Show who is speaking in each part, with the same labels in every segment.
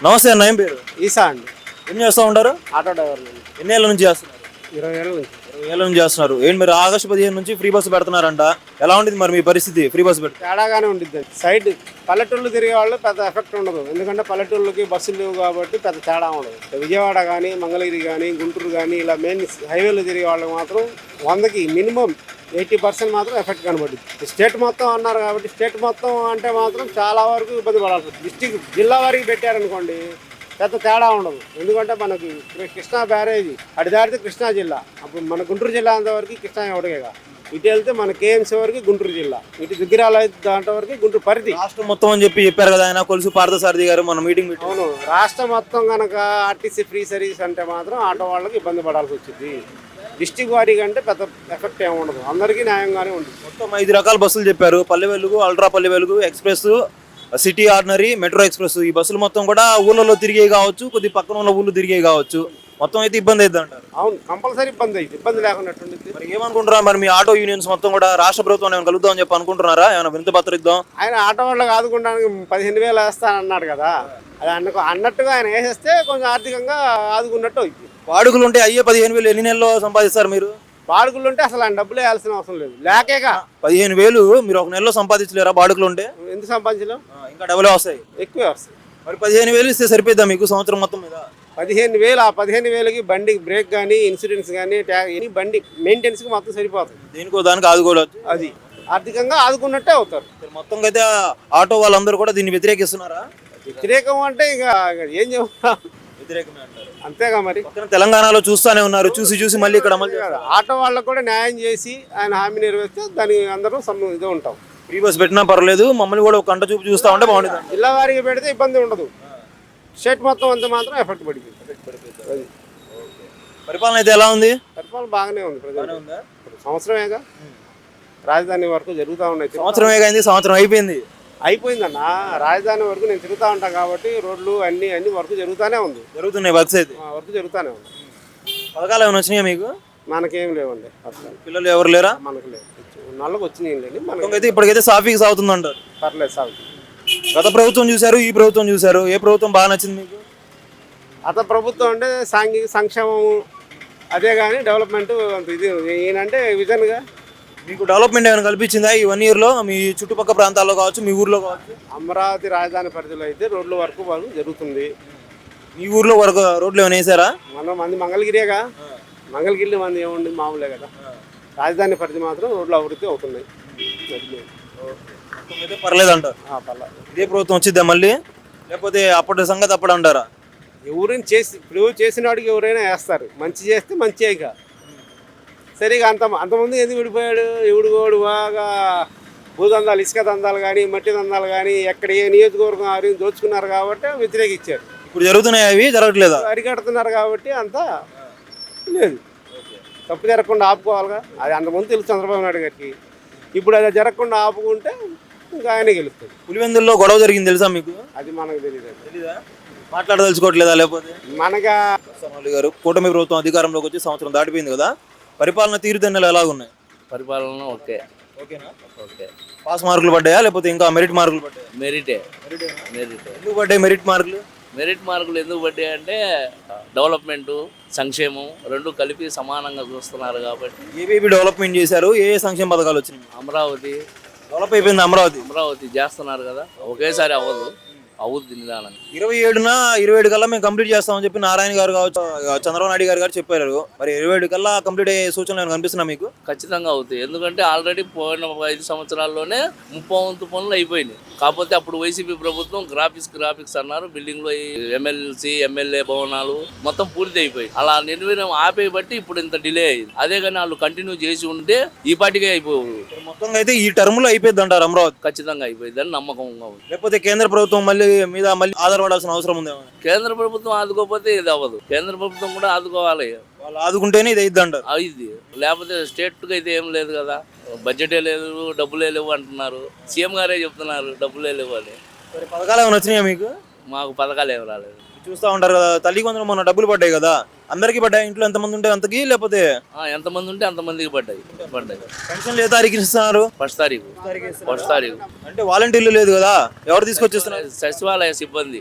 Speaker 1: నమస్తే అన్న, ఏం పేరు?
Speaker 2: ఈసా అండి.
Speaker 1: ఏం చేస్తూ ఉంటారు?
Speaker 2: ఆటో డ్రైవర్
Speaker 1: ఎన్ని ఏళ్ళ నుంచి చేస్తున్నారు?
Speaker 2: 20 ఏళ్ళ నుంచి.
Speaker 1: 20 ఏళ్ళ నుంచి చేస్తున్నారు. ఏంటి మీరు ఆగస్టు 15 నుంచి ఫ్రీ బస్సు పెడుతున్నారంట, ఎలా ఉంటుంది మరి మీ పరిస్థితి? ఫ్రీ బస్సు పెడితే
Speaker 2: తేడాగానే ఉంటుంది. సైడ్ పల్లెటూళ్ళు తిరిగే వాళ్ళు పెద్ద ఎఫెక్ట్ ఉండదు, ఎందుకంటే పల్లెటూళ్ళకి బస్సులు లేవు కాబట్టి పెద్ద తేడా ఉండదు. విజయవాడ కానీ, మంగళగిరి కానీ, గుంటూరు కానీ ఇలా మెయిన్ హైవేలు తిరిగే వాళ్ళకి మాత్రం 100కి మినిమం 80% మాత్రం ఎఫెక్ట్ కనబడుతుంది. స్టేట్ మొత్తం అన్నారు కాబట్టి స్టేట్ మొత్తం అంటే మాత్రం చాలా వరకు ఇబ్బంది పడాల్సి వస్తుంది. డిస్టిక్ జిల్లా వారికి పెట్టారనుకోండి పెద్ద తేడా ఉండదు, ఎందుకంటే మనకి కృష్ణా బ్యారేజీ అటు దాటితే కృష్ణా జిల్లా, అప్పుడు మన గుంటూరు జిల్లా అంతవరకు కృష్ణా ఒకటిగా, ఇటు వెళ్తే మన కేఎంసీ వరకు గుంటూరు జిల్లా, ఇటు దుగ్గిరాల దాంట్లో వరకు గుంటూరు పరిధి.
Speaker 1: రాష్ట్రం మొత్తం అని చెప్పారు కదా ఆయన కొలుసు పార్థసారథి గారు మన మీటింగ్ పెట్టి.
Speaker 2: అవును, రాష్ట్రం మొత్తం కనుక ఆర్టీసీ ఫ్రీ సర్వీస్ అంటే మాత్రం ఆటో వాళ్ళకి ఇబ్బంది పడాల్సి వచ్చింది. డిస్టిక్ వారీగా అంటే పెద్ద ఎఫెక్ట్ ఏమి ఉండదు, అందరికీ న్యాయంగానే ఉంటుంది.
Speaker 1: మొత్తం 5 రకాల బస్సులు చెప్పారు. పల్లె వెలుగు, ultra Palle Velugu, express, city ordinary, metro express. ఈ బస్సులు మొత్తం కూడా ఊళ్ళలో తిరిగే కావచ్చు, కొద్ది పక్కన ఉన్న ఊళ్ళు తిరిగే కావచ్చు, మొత్తం అయితే ఇబ్బంది అవుతుంది అంటారు.
Speaker 2: అవును, కంపల్సరీ ఇబ్బంది అయితే ఇబ్బంది లేకున్నట్టుంది.
Speaker 1: మరి ఏమనుకుంటారా మరి మీ ఆటో యూనియన్స్ మొత్తం కూడా రాష్ట్ర ప్రభుత్వం ఏమైనా కలుద్దాం అని చెప్పి అనుకుంటున్నారా? ఏమైనా వినతి పత్రం ఇద్దాం?
Speaker 2: ఆయన ఆటో వాళ్ళకి ఆదుకోవడానికి 15,000 వేస్తానన్నాడు కదా, అది అన్నట్టుగా ఆయన వేసేస్తే కొంచెం ఆర్థికంగా ఆదుకున్నట్టు అవుతుంది.
Speaker 1: వాడుకలు ఉంటే అయ్యే 15,000 ఎన్ని నెలల్లో సంపాదిస్తారు మీరు?
Speaker 2: బాడుగులు ఉంటే అసలు ఆయన డబ్బులు వేయాల్సిన అవసరం లేదు, లేకేగా
Speaker 1: 15,000 మీరు ఒక నెలలో సంపాదించలేరా బాడుకలు ఉంటే?
Speaker 2: ఎందుకు సంపాదించలేం,
Speaker 1: ఇంకా డబ్బులే వస్తాయి,
Speaker 2: ఎక్కువే వస్తాయి.
Speaker 1: మరి 15,000 ఇస్తే సరిపోద్దా మీకు సంవత్సరం మొత్తం మీద?
Speaker 2: 15,000, ఆ 15,000కి బండికి బ్రేక్ కానీ, ఇన్సూరెన్స్ కానీ, ఎనీ బండి మెయింటెనెన్స్కి మొత్తం సరిపోతుంది.
Speaker 1: దేనికో దానికి ఆదుకోవచ్చు,
Speaker 2: అది ఆర్థికంగా ఆదుకున్నట్టే అవుతారు.
Speaker 1: మొత్తం అయితే ఆటో వాళ్ళందరూ కూడా దీన్ని వ్యతిరేకిస్తున్నారా?
Speaker 2: వ్యతిరేకం అంటే ఇక ఏం చెప్తాం,
Speaker 1: వ్యతిరేకమే అంటారు.
Speaker 2: అంతేగా మరి.
Speaker 1: తెలంగాణలో చూస్తానే ఉన్నారు, చూసి మళ్ళీ ఇక్కడ అమలు చేస్తారు.
Speaker 2: ఆటో వాళ్ళకు కూడా న్యాయం చేసి ఆయన హామీ నెరవేర్స్తే దానికి అందరం ఇదే ఉంటాం.
Speaker 1: ఫ్రీ బస్ పెట్టినా పర్లేదు, మమ్మల్ని కూడా ఒక కంట చూపు చూస్తా ఉంటే బాగుంటుంది.
Speaker 2: జిల్లా వారికి పెడితే ఇబ్బంది ఉండదు, స్టేట్ మొత్తం అంతా మాత్రం ఎఫెక్ట్ పడిపోయింది.
Speaker 1: పరిపాలన అయితే ఎలా ఉంది?
Speaker 2: పరిపాలన బాగానే ఉంది, ప్రజలు సంవత్సరమేగా, రాజధాని వరకు జరుగుతూ ఉన్నాయి.
Speaker 1: సంవత్సరమే అయింది, సంవత్సరం
Speaker 2: అయిపోయిందన్న. రాజధాని వరకు నేను తిరుగుతూ ఉంటాను కాబట్టి రోడ్లు అన్ని వర్క్ జరుగుతూనే ఉంది,
Speaker 1: జరుగుతున్నాయి వర్క్స్ అయితే,
Speaker 2: వర్క్ జరుగుతూనే ఉంది.
Speaker 1: పథకాలు ఏమైనా వచ్చినాయా మీకు?
Speaker 2: మనకేం లేవండి,
Speaker 1: పిల్లలు ఎవరు లేరా?
Speaker 2: మనకు లేదు, నల్లకి వచ్చినాయి లేండి.
Speaker 1: మనకైతే ఇప్పటికైతే సాఫీగా సాగుతుంది అంటారు.
Speaker 2: పర్లేదు, సాగు.
Speaker 1: గత ప్రభుత్వం చూశారు, ఈ ప్రభుత్వం చూశారు, ఏ ప్రభుత్వం బాగా నచ్చింది మీకు?
Speaker 2: అత ప్రభుత్వం అంటే సాంఘిక సంక్షేమము అదే కానీ డెవలప్మెంట్ అంత ఇది ఈయనంటే విజన్గా.
Speaker 1: మీకు డెవలప్మెంట్ ఏమైనా కల్పించిందా ఈ 1 yearలో మీ చుట్టుపక్కల ప్రాంతాల్లో కావచ్చు, మీ ఊర్లో కావచ్చు?
Speaker 2: అమరావతి రాజధాని పరిధిలో అయితే రోడ్ల వరకు జరుగుతుంది.
Speaker 1: మీ ఊర్లో వరకు రోడ్లు ఏమైనా వేసారా?
Speaker 2: మంది మంగళగిరిగా, మంగళగిరి మంది ఏముంది మామూలే కదా. రాజధాని పరిధి మాత్రం రోడ్లు అభివృద్ధి అవుతున్నాయి.
Speaker 1: అయితే పర్లేదు అంటారు.
Speaker 2: పర్లేదు.
Speaker 1: ఇదే ప్రభుత్వం వచ్చిద్దా మళ్ళీ, లేకపోతే అప్పటి సంగతి అప్పుడు అంటారా?
Speaker 2: ఎవరైనా ఇప్పుడు చేసిన వాడికి ఎవరైనా వేస్తారు, మంచి చేస్తే మంచి. ఇక సరిగా అంతమంది ఎందుకు విడిపోయాడు, ఎవడు బాగా భూదందాలు, ఇసుక దందాలు కానీ, మట్టి దందాలు కానీ, ఎక్కడ ఏ నియోజకవర్గం ఆరు దోచుకున్నారు కాబట్టి వ్యతిరేకించారు.
Speaker 1: ఇప్పుడు జరుగుతున్నాయి, అవి జరగట్లేదా?
Speaker 2: అరికడుతున్నారు కాబట్టి అంతా లేదు. తప్పు జరగకుండా ఆపుకోవాలిగా, అది అంతమంది తెలుసు చంద్రబాబు నాయుడు గారికి. ఇప్పుడు అది జరగకుండా ఆపుకుంటే ఇంకా ఆయనే గెలుస్తుంది.
Speaker 1: పులివెందుల్లో గొడవ జరిగింది తెలుసా మీకు?
Speaker 2: అది మనకు
Speaker 1: తెలీదా? మాట్లాడదలుచుకోవట్లేదా? లేకపోతే
Speaker 2: మనగా
Speaker 1: గారు కూటమి ప్రభుత్వం అధికారంలోకి వచ్చి సంవత్సరం దాటిపోయింది కదా, పరిపాలన తీరుదెన్నులు ఎలా ఉన్నాయి?
Speaker 3: పరిపాలన
Speaker 1: ఓకేనా? ఓకే. పాస్ మార్కులు పడ్డాయా లేకపోతే ఇంకా మెరిట్ మార్కులు పడ్డాయా?
Speaker 3: మెరిటే.
Speaker 1: ఎందుకు పడ్డాయి మెరిట్ మార్కులు?
Speaker 3: మెరిట్ మార్కులు ఎందుకు పడ్డాయి అంటే డెవలప్మెంట్, సంక్షేమం రెండు కలిపి సమానంగా చూస్తున్నారు కాబట్టి.
Speaker 1: ఏబీబీ డెవలప్మెంట్ చేశారు, ఏ సంక్షేమ పథకాలు వచ్చినాయి?
Speaker 3: అమరావతి
Speaker 1: డెవలప్ అయిపోయింది.
Speaker 3: అమరావతి చేస్తున్నారు కదా, ఒకేసారి అవ్వదు, అవుద్ది నిదానంగా.
Speaker 1: 27 కల్లా మేము కంప్లీట్ చేస్తామని చెప్పి నారాయణ గారు కావచ్చు, చంద్రబాబు నాయుడు గారు చెప్పారు. మరి 27 కల్లా కంప్లీట్ అయ్యే సూచనలు కనిపిస్తున్నా మీకు?
Speaker 3: ఖచ్చితంగా అవుతాయి, ఎందుకంటే ఆల్రెడీ పోయిన 5 సంవత్సరాల్లోనే 30 పనులు అయిపోయినాయి. కాకపోతే అప్పుడు వైసీపీ ప్రభుత్వం గ్రాఫిక్స్ అన్నారు, బిల్డింగ్లో ఎమ్మెల్సీ ఎమ్మెల్యే భవనాలు మొత్తం పూర్తి అయిపోయి అలా నిర్వీర్యం ఆపే బట్టి ఇప్పుడు ఇంత డిలే అయింది. అదే కానీ వాళ్ళు కంటిన్యూ చేసి ఉంటే ఈ పాటికే అయిపోవు.
Speaker 1: మొత్తంగా అయితే ఈ టర్మ్ లో అయిపోయింది అంటారు అమరావతి?
Speaker 3: ఖచ్చితంగా అయిపోయింది అని నమ్మకంగా ఉంది.
Speaker 1: లేకపోతే కేంద్ర ప్రభుత్వం మళ్ళీ ఆధారపడాల్సిన అవసరం ఉందేమో?
Speaker 3: కేంద్ర ప్రభుత్వం ఆదుకోకపోతే ఇది అవ్వదు, కేంద్ర ప్రభుత్వం కూడా ఆదుకోవాలి.
Speaker 1: వాళ్ళు ఆదుకుంటేనే ఇది అయిద్ది అంటారు.
Speaker 3: ఇది లేకపోతే స్టేట్కి అయితే ఏం లేదు కదా, బడ్జెటే లేదు, డబ్బులే లేవు అంటున్నారు. సీఎం గారే చెప్తున్నారు డబ్బులే లేవు అని.
Speaker 1: పథకాలు ఏమైనా వచ్చినాయా మీకు?
Speaker 3: మాకు పథకాలు ఏమి రాలేదు.
Speaker 1: చూస్తూ ఉంటారు కదా, తల్లికి వందనం మొన్న డబ్బులు పడ్డాయి కదా, అందరికీ పడ్డాయి? ఇంట్లో ఎంతమంది ఉంటే అంతకి, లేకపోతే
Speaker 3: ఎంతమంది ఉంటే అంతమందికి పడ్డాయి.
Speaker 1: పెన్షన్లు ఏ తారీఖు ఇస్తున్నారు?
Speaker 3: ఫస్ట్ తారీఖు.
Speaker 1: అంటే వాలంటీర్లు లేదు కదా, ఎవరు తీసుకొచ్చిస్తున్నారు?
Speaker 3: సచివాలయ సిబ్బంది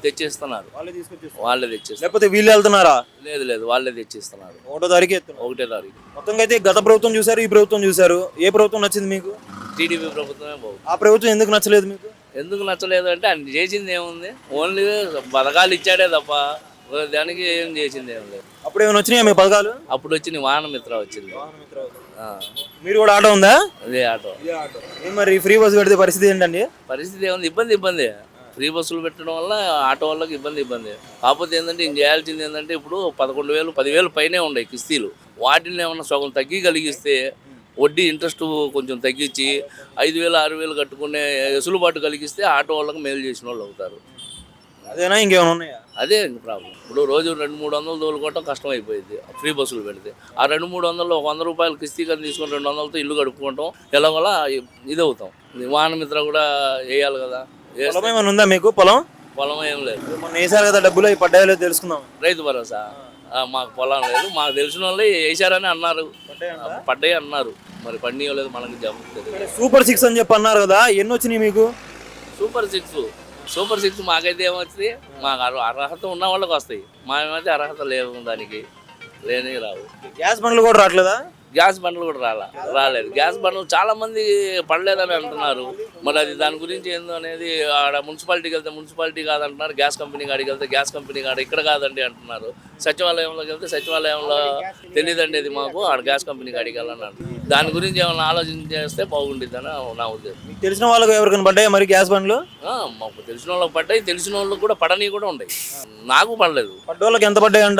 Speaker 3: తెచ్చిస్తున్నారు,
Speaker 1: వాళ్ళే తీసుకొచ్చేస్తారు
Speaker 3: వాళ్ళే తెచ్చిస్తారు.
Speaker 1: లేకపోతే వీళ్ళు వెళ్తున్నారా?
Speaker 3: లేదు వాళ్ళే తెచ్చిస్తున్నారు.
Speaker 1: 1వ తారీఖు ఎత్తున్నారు.
Speaker 3: 1వ తారీఖు.
Speaker 1: మొత్తంగా అయితే గత ప్రభుత్వం చూసారు, ఈ ప్రభుత్వం చూసారు, ఏ ప్రభుత్వం నచ్చింది మీకు?
Speaker 3: టీడీపీ ప్రభుత్వమే బాగుంది.
Speaker 1: ఆ ప్రభుత్వం ఎందుకు నచ్చలేదు మీకు?
Speaker 3: ఎందుకు నచ్చలేదు అంటే ఆయన చేసింది ఏముంది, ఓన్లీ పథకాలు ఇచ్చాడే తప్ప దానికి ఏం చేసింది ఏం లేదు.
Speaker 1: అప్పుడు ఏమైనా వచ్చినాయా మీ పథకాలు?
Speaker 3: అప్పుడు వచ్చింది వాహనమిత్ర వచ్చింది. ఆ,
Speaker 1: మీరు కూడా ఆటో ఉందా?
Speaker 3: అదే ఆటో.
Speaker 1: ఏం మరి ఫ్రీ బస్సు పెడితే పరిస్థితి ఏంటండి?
Speaker 3: పరిస్థితి ఏముంది, ఇబ్బంది. ఫ్రీ బస్సులు పెట్టడం వల్ల ఆటో వాళ్ళకి ఇబ్బంది. కాకపోతే ఏంటంటే ఇంక చేయాల్సింది ఏంటంటే ఇప్పుడు 11,000 10,000 పైనే ఉన్నాయి కిస్తీలు. వాటిని ఏమన్నా సగం తగ్గి కలిగిస్తే, వడ్డీ ఇంట్రెస్ట్ కొంచెం తగ్గించి 5,000 6,000 కట్టుకునే వెసులుబాటు కలిగిస్తే ఆటో వాళ్ళకి మేలు చేసిన వాళ్ళు అవుతారు.
Speaker 1: అదేనా ఇంకేమైనా ఉన్నాయా?
Speaker 3: అదే ప్రాబ్లం. ఇప్పుడు రోజు 200-300 తోలుకోవటం కష్టం అయిపోయింది ఫ్రీ బస్సులు పెడితే. ఆ 200-300 100 రూపాయలు కిస్తీ కానీ తీసుకొని 200తో ఇల్లు కడుపుకుంటాం. ఎలాగోలా ఇది అవుతాం. వాహనమిత్ర కూడా వేయాలి కదా.
Speaker 1: పొలం ఏమైనా ఉందా మీకు? పొలం
Speaker 3: ఏం లేదు.
Speaker 1: మొన్న వేసారు కదా, డబ్బులు అవి పడ్డాయో లేదో తెలుసుకుందాం.
Speaker 3: రైతు భరోసా మాకు పొలం లేదు. మాకు తెలిసిన వాళ్ళు వేసారని అన్నారు, పడ్డాయి అన్నారు. మరి పడియలేదు మనకి జరుగుతుంది.
Speaker 1: సూపర్ 6 అని చెప్పి అన్నారు కదా, ఎన్ని వచ్చినాయి మీకు?
Speaker 3: సూపర్ సిక్స్ మాకైతే ఏమొచ్చింది, మాకు అర్హత ఉన్న వాళ్ళకి వస్తాయి. మేమైతే అర్హత లేవు, దానికి లేని రావు.
Speaker 1: గ్యాస్ బండ్లు కూడా రావట్లేదా?
Speaker 3: గ్యాస్ బండ్లు కూడా రాలేదు. గ్యాస్ బండ్లు చాలా మంది పడలేదని అంటున్నారు. మరి అది దాని గురించి ఏందో అనేది ఆడ మున్సిపాలిటీకి వెళ్తే మున్సిపాలిటీ కాదంటున్నారు, గ్యాస్ కంపెనీ కాడికి వెళ్తే గ్యాస్ కంపెనీ కాడ ఇక్కడ కాదండి అంటున్నారు. సచివాలయంలోకి వెళ్తే సచివాలయంలో తెలియదండి అది మాకు, ఆడ గ్యాస్ కంపెనీ కాడికి వెళ్ళని అంటున్నారు. దాని గురించి ఏమైనా ఆలోచన చేస్తే బాగుండిద్దని నా ఉద్దేశం.
Speaker 1: మీకు తెలిసిన వాళ్ళకి ఎవరికైనా పడ్డాయా మరి గ్యాస్ బండ్లు?
Speaker 3: మాకు తెలిసిన వాళ్ళకి పడ్డాయి, తెలిసిన వాళ్ళకి కూడా పడని కూడా ఉన్నాయి. నాకు పడలేదు.
Speaker 1: పడ్డోళ్ళకి ఎంత పడ్డాయంట?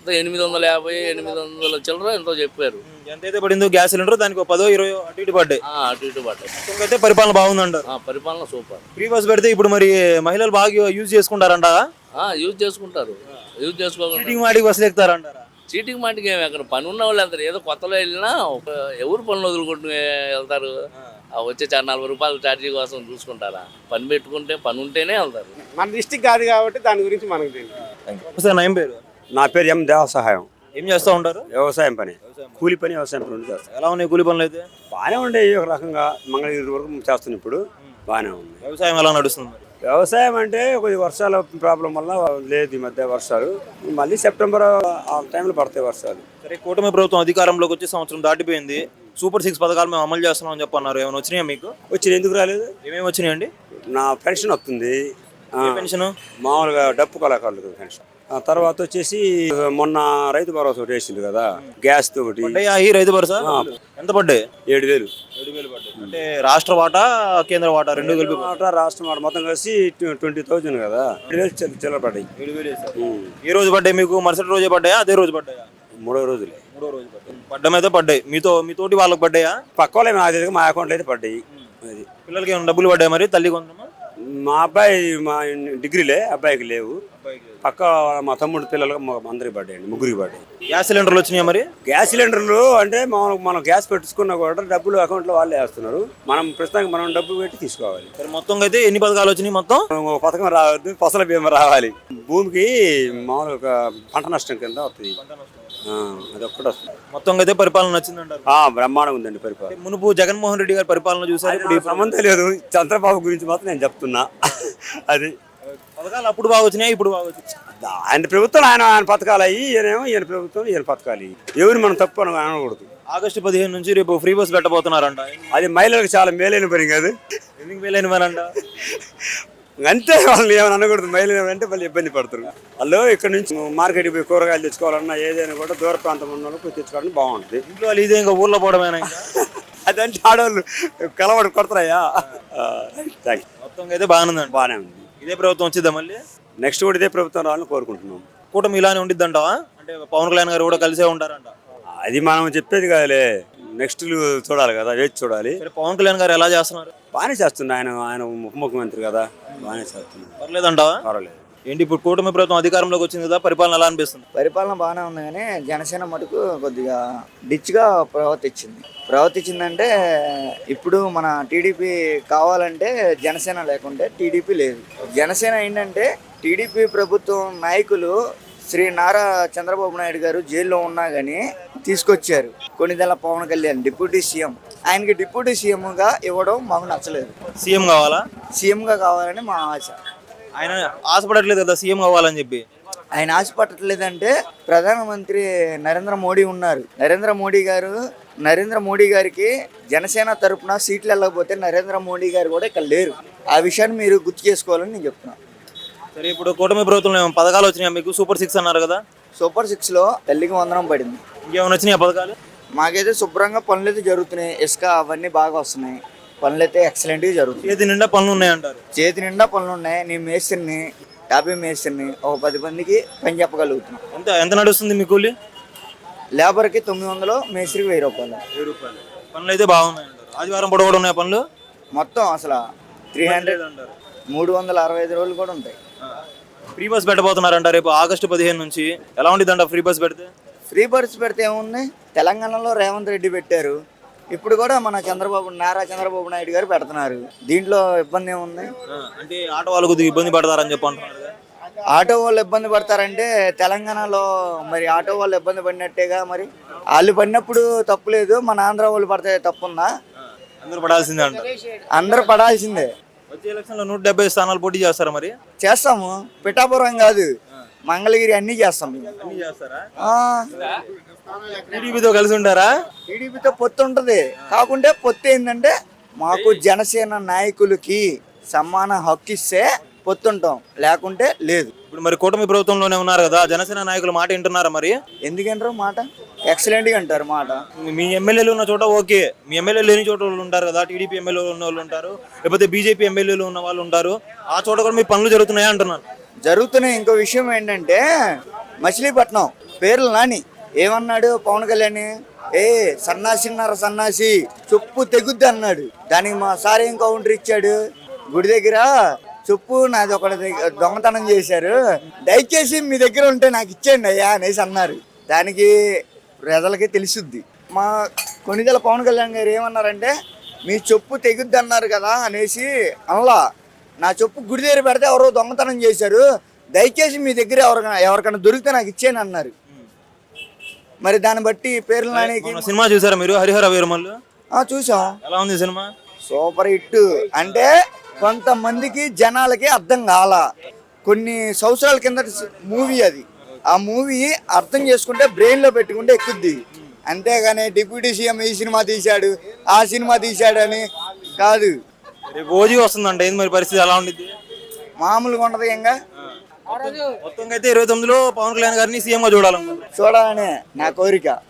Speaker 3: 850 800 చిల్లర ఎంతో చెప్పారు.
Speaker 1: ఎంతైతే పడిందో గ్యాస్ సిలిండర్ దానికి 10-20 అటు ఇటు పడ్డాయి.
Speaker 3: అటు ఇటు పడ్డాయి.
Speaker 1: అయితే పరిపాలన బాగుందంటారు.
Speaker 3: పరిపాలన సూపర్.
Speaker 1: ఫ్రీ బస్ పెడితే ఇప్పుడు మరి మహిళలు బాగా యూజ్ చేసుకుంటారంట?
Speaker 3: యూజ్ చేసుకుంటారు. యూజ్ చేసుకోకుండా
Speaker 1: చీటింగ్ మాటికి బస్సులు ఎక్కుతారంటారా?
Speaker 3: చీటింగ్ మాటికి ఏమి, అక్కడ పని ఉన్న వాళ్ళు వెళ్తారు. ఏదో కొత్తలో వెళ్ళినా ఎవరు పనులు వదులుకుంటూ వెళ్తారు. వచ్చే 40 రూపాయలు ఛార్జీ కోసం చూసుకుంటారా? పని పెట్టుకుంటే పని ఉంటేనే వెళ్తారు.
Speaker 2: మన డిస్టిక్ కాదు కాబట్టి దాని గురించి మనకు తెలియదు.
Speaker 1: సార్ ఏం పేరు?
Speaker 4: నా పేరు ఎం దేవసహాయం.
Speaker 1: ఏం చేస్తూ ఉంటారు?
Speaker 4: వ్యవసాయం పని, కూలి పని, వ్యవసాయం పని చేస్తాను.
Speaker 1: ఎలా ఉన్నాయి కూలి పనులు అయితే?
Speaker 4: బాగానే ఉండే, ఒక రకంగా మంగళగిరి వరకు చేస్తున్నాను. ఇప్పుడు బాగానే ఉంది.
Speaker 1: వ్యవసాయం ఎలా నడుస్తుంది మరి?
Speaker 4: వ్యవసాయం అంటే కొద్ది వర్షాల ప్రాబ్లం వల్ల లేదు ఈ మధ్య వర్షాలు. మళ్ళీ సెప్టెంబర్ ఆ టైంలో పడతాయి వర్షాలు.
Speaker 1: సరే, కూటమి ప్రభుత్వం అధికారంలోకి వచ్చి సంవత్సరం దాటిపోయింది. సూపర్ 6 పథకాలు మేము అమలు చేస్తున్నామని చెప్పన్నారు. ఏమైనా వచ్చినాయా మీకు?
Speaker 4: వచ్చిన ఎందుకు రాలేదు?
Speaker 1: ఏమేమి వచ్చినాయండి?
Speaker 4: నా పెన్షన్ వస్తుంది.
Speaker 1: పెన్షన్
Speaker 4: మామూలుగా డప్పు కళాకారులకు పెన్షన్. ఆ తర్వాత వచ్చేసి మొన్న రైతు భరోసా ఒకటి వేసింది కదా, గ్యాస్ తో ఒకటి.
Speaker 1: ఈ రైతు భరోసా ఎంత పడ్డాయి?
Speaker 4: 7,000.
Speaker 1: అంటే రాష్ట్ర వాటా కేంద్ర వాటా రెండు కలిపి?
Speaker 4: రాష్ట్రం వాటా మొత్తం కలిసి 20,000 కదా, 7,000 చిల్లర పడ్డాయి.
Speaker 1: ఈ రోజు పడ్డాయి మీకు? మరుసటి రోజే పడ్డాయా, అదే రోజు పడ్డాయా?
Speaker 4: మూడో రోజులే.
Speaker 1: పడ్డమైతే పడ్డాయి. మీతోటి వాళ్ళకి పడ్డాయా?
Speaker 4: పక్క వాళ్ళే మా అకౌంట్లో అయితే పడ్డాయి. అది
Speaker 1: పిల్లలకి ఏమైనా డబ్బులు పడ్డాయి మరి? తల్లి కొందరమా?
Speaker 4: మా అబ్బాయి డిగ్రీలే, అబ్బాయికి లేవు. పక్క మా తమ్ముడు పిల్లలకు అందరికి పడ్డాయండి, ముగ్గురికి పడ్డాయి.
Speaker 1: గ్యాస్ సిలిండర్లు వచ్చినాయా మరి?
Speaker 4: గ్యాస్ సిలిండర్లు అంటే మనం గ్యాస్ పెట్టుకున్నా కూడా డబ్బులు అకౌంట్లో వాళ్ళే వేస్తున్నారు. మనం ప్రస్తుతానికి మనం డబ్బులు పెట్టి తీసుకోవాలి.
Speaker 1: మొత్తం అయితే ఎన్ని పథకాలు వచ్చినాయి? మొత్తం
Speaker 4: పథకం రావద్దు, ఫసల బీమా రావాలి. భూమికి మామూలుగా పంట నష్టం కింద వస్తుంది, అది ఒక్కటి వస్తుంది.
Speaker 1: మొత్తం అయితే పరిపాలన నచ్చిందంటారు?
Speaker 4: బ్రహ్మాండంగా ఉందండి పరిపాలన.
Speaker 1: మునుపు జగన్మోహన్ రెడ్డి గారి పరిపాలన చూసారు, ఇప్పుడు
Speaker 4: సంబంధం లేదు. చంద్రబాబు గురించి మాత్రం నేను చెప్తున్నా. అది
Speaker 1: పథకాలు అప్పుడు బాగా వచ్చినాయి, ఇప్పుడు బాగా వచ్చినాయి.
Speaker 4: ఆయన ప్రభుత్వం ఆయన పథకాలు అయ్యి, ఈయన ప్రభుత్వం ఈయన పథకాలు. ఎవరు మనం తప్పు అనకూడదు.
Speaker 1: ఆగస్టు 15 నుంచి రేపు ఫ్రీ బస్ పెట్టబోతున్నారంట.
Speaker 4: అది మహిళలకు చాలా మేలైన పని కాదు.
Speaker 1: ఎందుకు మేలైన పని అంట?
Speaker 4: అంతే, వాళ్ళని ఏమైనా అనకూడదు. మహిళలు అంటే వాళ్ళు ఇబ్బంది పడతారు. వాళ్ళు ఇక్కడ నుంచి మార్కెట్కి పోయి కూరగాయలు తెచ్చుకోవాలన్నా ఏదైనా కూడా దూర ప్రాంతం ఉన్న వాళ్ళు తెచ్చుకోవడానికి బాగుంటుంది.
Speaker 1: ఇంట్లో వాళ్ళు ఇదే ఇంకా ఊర్లో పోవడమేనా?
Speaker 4: అదంటే ఆడవాళ్ళు కలవడం కొడతారయ్యా.
Speaker 1: మొత్తం అయితే బాగానే ఉంది. ఇదే ప్రభుత్వం వచ్చిద్దా మళ్ళీ?
Speaker 4: నెక్స్ట్ కూడా ఇదే ప్రభుత్వం రావాలని కోరుకుంటున్నాం.
Speaker 1: కూటమి ఇలానే ఉండిద్దంటావా? అంటే పవన్ కళ్యాణ్ గారు కూడా కలిసే ఉంటారంట.
Speaker 4: అది మనం చెప్పేది కాదులే, నెక్స్ట్ చూడాలి కదా, వేచి చూడాలి.
Speaker 1: పవన్ కళ్యాణ్ గారు ఎలా చేస్తున్నారు?
Speaker 4: బాగానే చేస్తున్నా. ఆయన ఉప ముఖ్యమంత్రి కదా, బాగానే చేస్తున్నారు.
Speaker 1: పర్లేదంటావా?
Speaker 4: పర్వాలేదు.
Speaker 1: ఏంటి ఇప్పుడు కూటమి ప్రభుత్వం అధికారంలోకి వచ్చింది కదా, పరిపాలన ఎలా అనిపిస్తుంది?
Speaker 5: పరిపాలన బాగానే ఉంది, కానీ జనసేన మటుకు కొద్దిగా డిచ్గా ప్రవర్తించిందంటే ఇప్పుడు మన టీడీపీ కావాలంటే జనసేన లేకుంటే టీడీపీ లేదు. జనసేన ఏంటంటే టీడీపీ ప్రభుత్వం నాయకులు శ్రీ నారా చంద్రబాబు నాయుడు గారు జైల్లో ఉన్నా కానీ తీసుకొచ్చారు. కొన్నిదెల పవన్ కళ్యాణ్ డిప్యూటీ సీఎం, ఆయనకి డిప్యూటీ సీఎంగా ఇవ్వడం మాకు నచ్చలేదు.
Speaker 1: సీఎం కావాలా?
Speaker 5: సీఎంగా కావాలని మా ఆశ.
Speaker 1: ఆయన ఆశపడట్లేదు కదా సీఎం అవ్వాలని చెప్పి.
Speaker 5: ఆయన ఆశపడట్లేదంటే ప్రధానమంత్రి నరేంద్ర మోడీ ఉన్నారు. నరేంద్ర మోడీ గారికి జనసేన తరపున సీట్లు వెళ్ళకపోతే నరేంద్ర మోడీ గారు కూడా ఇక్కడ లేరు. ఆ విషయాన్ని మీరు గుర్తు చేసుకోవాలని నేను చెప్తున్నాను.
Speaker 1: సరే, ఇప్పుడు కూటమి ప్రభుత్వంలో ఏమైనా పథకాలు వచ్చినాయా మీకు? సూపర్ 6 అన్నారు కదా.
Speaker 5: సూపర్ 6లో తల్లికి వందనం పడింది.
Speaker 1: ఇంకేమైనా వచ్చినాయి పథకాలు?
Speaker 5: మాకైతే శుభ్రంగా పనులు అయితే జరుగుతున్నాయి. ఇసుక అవన్నీ బాగా వస్తున్నాయి. పనులు అయితే ఎక్సలెంట్గా జరుగుతాయి.
Speaker 1: చేతి నిండా పనులు ఉన్నాయంటారు.
Speaker 5: చేతి నిండా పనులు ఉన్నాయి. నేను మేస్త్రిని, 50 మేస్త్రిని, ఒక 10 మందికి పని చెప్పగలుగుతున్నాను.
Speaker 1: ఎంత ఎంత నడుస్తుంది మీ కూలి?
Speaker 5: లేబర్కి 900, మేస్త్రికి 1000 రూపాయలు.
Speaker 1: 1000 రూపాయలు. పనులు అయితే బాగున్నాయంటారు. ఆదివారం పూట కూడా ఉన్నాయి పనులు.
Speaker 5: మొత్తం అసలు 300
Speaker 1: అంటారు.
Speaker 5: 365 రోజులు కూడా ఉంటాయి.
Speaker 1: ఫ్రీ బస్ పెట్టబోతున్నారంట రేపు ఆగస్టు 15 నుంచి. ఎలా ఉండిద్దంట ఫ్రీ బస్ పెడితే?
Speaker 5: ఫ్రీ బస్ పెడితే ఏముంది, తెలంగాణలో రేవంత్ రెడ్డి పెట్టారు. ఇప్పుడు కూడా మన నారా చంద్రబాబు నాయుడు గారు పెడుతున్నారు. దీంట్లో ఇబ్బంది ఏముంది?
Speaker 1: అంటే ఆటో వాళ్ళు కొద్దిగా ఇబ్బంది పడతారని చెప్పి అంటున్నారు కదా.
Speaker 5: ఆటో వాళ్ళు ఇబ్బంది పడతారంటే తెలంగాణలో మరి ఆటో వాళ్ళు ఇబ్బంది పడినట్టేగా. మరి వాళ్ళు పడినప్పుడు తప్పు లేదు, మన ఆంధ్ర వాళ్ళు పడితే తప్పుందా?
Speaker 1: అందరూ పడాల్సిందే అంట.
Speaker 5: అందరూ పడాల్సిందే.
Speaker 1: వచ్చే ఎలక్షన్లో 170 స్థానాలు పోటీ చేస్తారా మరి?
Speaker 5: చేస్తాము. పిఠాపురం కాదు, మంగళగిరి అన్నీ చేస్తాం మేము.
Speaker 1: అన్ని చేస్తారా?
Speaker 5: ఆ,
Speaker 1: టీడీపీతో కలిసి ఉంటారా?
Speaker 5: టీడీపీతో పొత్తు ఉంటుంది. కాకుంటే పొత్తు ఏంటంటే మాకు జనసేన నాయకులకి సమాన హక్కు ఇస్తే పొత్తుంటాం, లేకుంటే లేదు.
Speaker 1: ఇప్పుడు మరి కూటమి ప్రభుత్వంలోనే ఉన్నారు కదా, జనసేన నాయకుల మాట వింటున్నారా మరి?
Speaker 5: ఎందుకంటారు మాట? ఎక్సలెంట్గా అంటారు మాట.
Speaker 1: మీ ఎమ్మెల్యేలు ఉన్న చోట ఓకే, మీ ఎమ్మెల్యే లేని చోట వాళ్ళు ఉంటారు కదా. టీడీపీ ఎమ్మెల్యేలు ఉన్న వాళ్ళు ఉంటారు, లేకపోతే బీజేపీ ఎమ్మెల్యేలు ఉన్న వాళ్ళు ఉంటారు. ఆ చోట కూడా మీ పనులు జరుగుతున్నాయా అంటున్నాను.
Speaker 5: జరుగుతున్నాయి. ఇంకో విషయం ఏంటంటే మచిలీపట్నం పేర్లు నాని ఏమన్నాడు పవన్ కళ్యాణ్? సన్నాసి చెప్పు తెగుద్ది అన్నాడు. దానికి మా సార్ ఏం కౌంటర్ ఇచ్చాడు? గుడి దగ్గర చెప్పు నాది ఒకటి దొంగతనం చేశారు, దయచేసి మీ దగ్గర ఉంటే నాకు ఇచ్చేయండి అయ్యా అనేసి అన్నారు. దానికి ప్రజలకి తెలుసుద్ది. మా కొనిదెల పవన్ కళ్యాణ్ గారు ఏమన్నారంటే మీ చెప్పు తెగుద్ది అన్నారు కదా అనేసి అనలా. నా చెప్పు గుడి దగ్గర పెడితే ఎవరో దొంగతనం చేశారు, దయచేసి మీ దగ్గర ఎవరికైనా దొరికితే నాకు ఇచ్చేయని అన్నారు. మరి దాన్ని బట్టి పేర్లు నానికి
Speaker 1: సినిమా చూసారా మీరు, హరిహర వీరమల్లు?
Speaker 5: చూసాం.
Speaker 1: ఎలా ఉంది సినిమా?
Speaker 5: Super hit. అంటే కొంతమందికి జనాలకి అర్థం కాల. కొన్ని సంవత్సరాల కింద మూవీ అది. ఆ మూవీ అర్థం చేసుకుంటే బ్రెయిన్లో పెట్టుకుంటే ఎక్కుద్ది. అంతేగాని డిప్యూటీ సీఎం ఈ సినిమా తీశాడు, ఆ సినిమా తీశాడు అని కాదు.
Speaker 1: రేపు ఓజీ వస్తుందంట, ఏంది మరి పరిస్థితి ఎలా ఉండిద్ది?
Speaker 5: మామూలుగా ఉండదు. ఇంకా
Speaker 1: మొత్తం అయితే 29లో పవన్ కళ్యాణ్ గారిని సీఎంగా చూడాలనుకుంటున్నాను.
Speaker 5: చూడాలనే నా కోరిక.